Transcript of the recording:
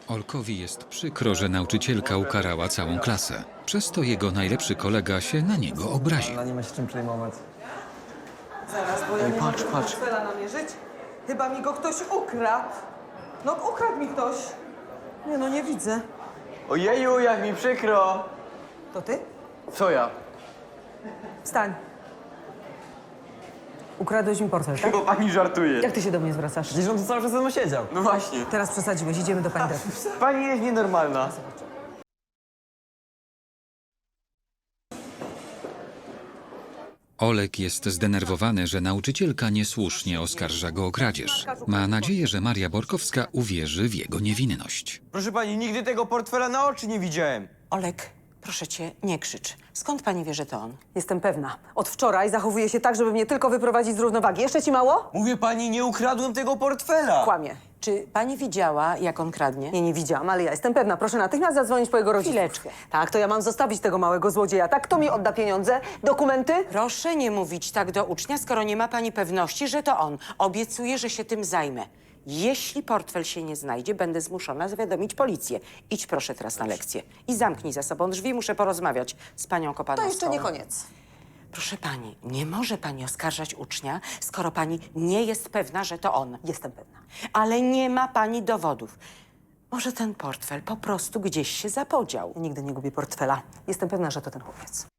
Olkowi jest przykro, że nauczycielka ukarała całą klasę. Przez to jego najlepszy kolega się na niego obraził. Ale nie ma się czym przejmować. Zaraz, bo ja nie patrz, mogę patrz. portfela namierzyć. Chyba mi go ktoś ukradł. No, ukradł mi ktoś. Nie no, nie widzę. Ojeju, jak mi przykro! To ty? Co ja? Wstań. Ukradłeś mi portfel, tak? Chyba pani żartuje. Jak ty się do mnie zwracasz? Przecież on tu cały czas ze mną siedział. No właśnie. Teraz przesadziłeś, idziemy do pendrive. Pani jest nienormalna. Olek jest zdenerwowany, że nauczycielka niesłusznie oskarża go o kradzież. Ma nadzieję, że Maria Borkowska uwierzy w jego niewinność. Proszę pani, nigdy tego portfela na oczy nie widziałem. Olek, proszę cię, nie krzycz. Skąd pani wie, że to on? Jestem pewna. Od wczoraj zachowuje się tak, żeby mnie tylko wyprowadzić z równowagi. Jeszcze ci mało? Mówię pani, nie ukradłem tego portfela. Kłamie. Czy pani widziała, jak on kradnie? Nie widziałam, ale ja jestem pewna. Proszę natychmiast zadzwonić po jego rodziców. Chwileczkę. Tak, to ja mam zostawić tego małego złodzieja. Tak, kto mi odda pieniądze? Dokumenty? Proszę nie mówić tak do ucznia, skoro nie ma pani pewności, że to on. Obiecuję, że się tym zajmę. Jeśli portfel się nie znajdzie, będę zmuszona zawiadomić policję. Idź proszę teraz na lekcję i zamknij za sobą drzwi. Muszę porozmawiać z panią Kopanowską. To jeszcze nie koniec. Proszę pani, nie może pani oskarżać ucznia, skoro pani nie jest pewna, że to on. Jestem pewna. Ale nie ma pani dowodów. Może ten portfel po prostu gdzieś się zapodział. Ja nigdy nie gubię portfela. Jestem pewna, że to ten chłopiec.